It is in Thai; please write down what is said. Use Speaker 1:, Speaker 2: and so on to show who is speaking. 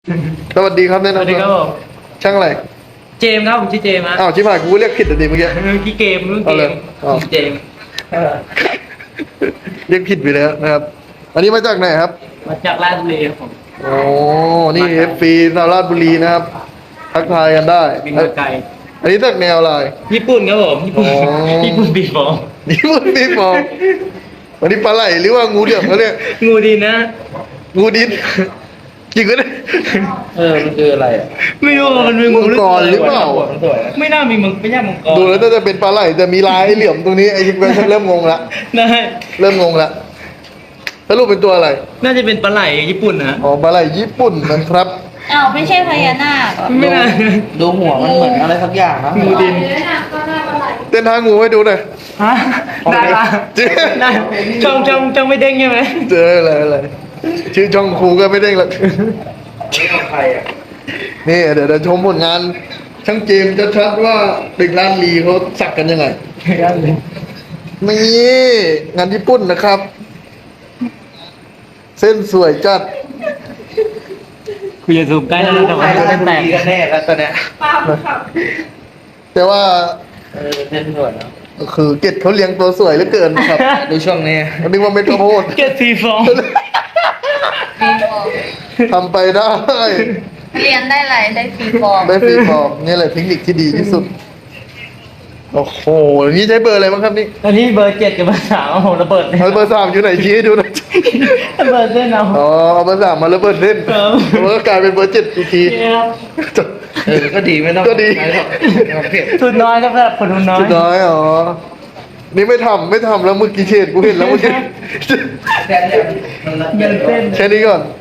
Speaker 1: สวัสดีครับแนะ
Speaker 2: สวัส
Speaker 1: นำ
Speaker 2: ดี
Speaker 1: ตัว
Speaker 2: ครับผม
Speaker 1: ช่างอะไร
Speaker 2: เจมส์ครับผมชื่อเจมส์ฮะ
Speaker 1: อ้าวชิบหายกูเรียกผิดแต่ดีเมื่อกี้
Speaker 2: ที่เกมรุ่น
Speaker 1: เอา
Speaker 2: เก
Speaker 1: เลย
Speaker 2: ม
Speaker 1: เอา
Speaker 2: เจมส์
Speaker 1: เรียกผิดไปแล้วนะครับ อันนี้มาจากไหนครับ
Speaker 2: มาจากราชบุรีครับผม
Speaker 1: โอ้นี่เอฟซีนาวราชบุรีนะครับ ทักทายกันได้
Speaker 2: บินมาไกล
Speaker 1: อันนี้จากแนวอะไร
Speaker 2: ญี่ปุ่นครับผมญี่ปุ่น
Speaker 1: อ๋อ
Speaker 2: ญี่ปุ่นบีบอล
Speaker 1: นี่มันพี่ฟองอันนี้ปลาไหลหรือว่างูเหลือมเขาเรียก
Speaker 2: งูดีนะ
Speaker 1: งูดินจริงก็ได้
Speaker 3: มันคืออะไรอ่ะ
Speaker 2: ไม่รู้ว่ามันเป็นงู
Speaker 1: มังกรหรือเปล่า
Speaker 3: มันสวยนะ
Speaker 2: ไม่น่ามีมังไม่น่ามังกร
Speaker 1: ดูแล้วน่าจะเป็นปลาไหลแต่มีลายเหลี่ยมตรงนี้ไอ้ยิงไปเริ่มงงละ
Speaker 2: ได้
Speaker 1: เริ่มงงละสรุปเป็นตัวอะไร
Speaker 2: น่าจะเป็นปลาไหลญี่ปุ่นนะ
Speaker 1: อ๋อปลาไหลญี่ปุ่นนะครับ
Speaker 4: อ้าวไม่ใช่พญานาคเหรอ
Speaker 2: ไม่น่า
Speaker 3: ดูหัวมันเหมือนอะไรสักอย่างนะ
Speaker 2: งูดิน
Speaker 1: เต้นทางงูให้ดูหน่อย
Speaker 2: ฮะได้ปะ
Speaker 1: เจ๊
Speaker 2: ได้ช่องไม่เด้งใช่ไหม
Speaker 1: เจออะไรชื่อช่องครูก็ไม่ได้หรอก
Speaker 3: ใครอ่ะ
Speaker 1: นี่เดี๋ยวชมผลงานช่างเจมส์ชัดๆว่าเด็กร้านลีเขาสักกันยังไงนี่งานญี่ปุ่นนะครับ เส้นสวยจัด
Speaker 2: คุณอย่าซูมใกล้แล้วแต่ว่าจะเป็นแตก
Speaker 3: กันแน่แล้วตอนเนี้ย
Speaker 1: แต่ว่า
Speaker 3: เส้นสวยนะ
Speaker 1: คือเกตเขาเลี้ยงตัวสวยเหลือเกินครับ
Speaker 3: ดูช่วงนี้
Speaker 1: นึกว่าเม็ดข้าวโพด
Speaker 2: เกตสีฟอง
Speaker 4: ฟรีฟอร์ม
Speaker 1: ทำไปได้
Speaker 4: เรียนได้ไรได้ฟรีฟอร์ม
Speaker 1: ได้ฟรีฟอร์มนี่แหละเทคนิคที่ดีที่สุด โอ้โหนี่ใช้เบอร์อะไรบ้างครับนี่
Speaker 2: ตอนนี้เบอร์7กับเบอร์3เอาผมระเบิดเลย
Speaker 1: เอาเบอร์สามอยู่ไหนชี้ให้ดูหน่อย
Speaker 2: ระเบิดเส้นเอา
Speaker 1: อ๋อเอาเบอร์สามมาแล้วเบอร์เล่น
Speaker 2: ครับ
Speaker 1: มันก็กลายเป็นเบอร์เจ็ดอีกที
Speaker 2: นี่ครับ
Speaker 3: ก็ดีไม่ต้อง
Speaker 1: ก็ดี
Speaker 3: ไม่ต้องเผ็ด
Speaker 2: ทุนน้อยครับสำหรับคนทุนน้อย
Speaker 1: สุดน้อยอ๋อ นี่ไม่ทำแล้วเมื่อกี้เชดกูเห็นแล้วเมื่อกี้
Speaker 3: แค่เนี้ยมัน
Speaker 2: เงินเส้น
Speaker 1: แค่นี้ก่อน
Speaker 3: เ